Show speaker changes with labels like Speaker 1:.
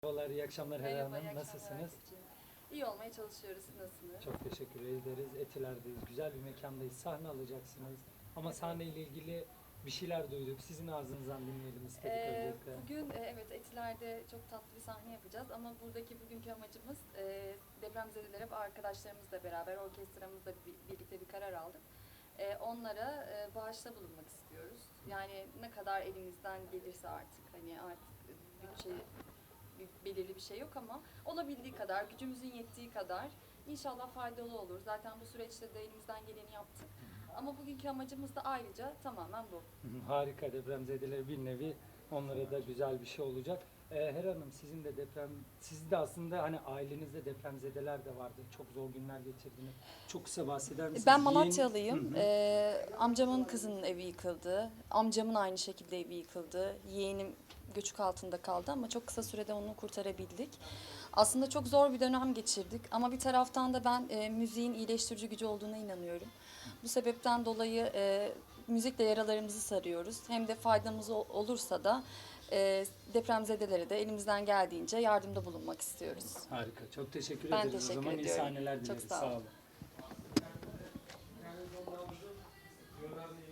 Speaker 1: Merhabalar, iyi akşamlar Hera
Speaker 2: Merhaba, iyi
Speaker 1: Hanım.
Speaker 2: akşamlar
Speaker 1: Nasılsınız?
Speaker 2: Ayşe'ciğim. İyi olmaya çalışıyoruz. Siz nasılsınız?
Speaker 1: Çok teşekkür ederiz. Etiler'deyiz. Güzel bir mekandayız. Sahne alacaksınız. Ama
Speaker 2: Evet.
Speaker 1: sahneyle ilgili bir şeyler duyduk. Sizin ağzınızdan dinleyelim istedik öncelikle.
Speaker 2: Bugün evet Etiler'de çok tatlı bir sahne yapacağız ama buradaki bugünkü amacımız depremzedelere ve arkadaşlarımızla beraber orkestramızla birlikte bir karar aldık. Onlara bağışta bulunmak istiyoruz. Yani ne kadar elimizden gelirse artık hani artık bütçe belirli bir şey yok ama olabildiği kadar, gücümüzün yettiği kadar inşallah faydalı olur. Zaten bu süreçte de elimizden geleni yaptık. Ama bugünkü amacımız da ayrıca tamamen bu.
Speaker 1: Harika, depremzedeler bir nevi onlara da güzel bir şey olacak. Hera Hanım, sizin de siz de aslında hani ailenizde depremzedeler de vardı. Çok zor günler geçirdiniz. Çok kısa bahseder misiniz?
Speaker 2: Ben Malatyalıyım. Amcamın kızının evi yıkıldı. Amcamın aynı şekilde evi yıkıldı. Yeğenim göçük altında kaldı ama çok kısa sürede onu kurtarabildik. Aslında çok zor bir dönem geçirdik ama bir taraftan da ben müziğin iyileştirici gücü olduğuna inanıyorum. Bu sebepten dolayı müzikle yaralarımızı sarıyoruz. Hem de faydamız olursa da depremzedelere de elimizden geldiğince yardımda bulunmak istiyoruz.
Speaker 1: Harika, çok teşekkür
Speaker 2: Ben
Speaker 1: ederiz. O
Speaker 2: teşekkür
Speaker 1: zaman iyi
Speaker 2: ediyorum.
Speaker 1: sahneler
Speaker 2: Çok
Speaker 1: dileriz.
Speaker 2: sağ olun.
Speaker 1: Sağ olun.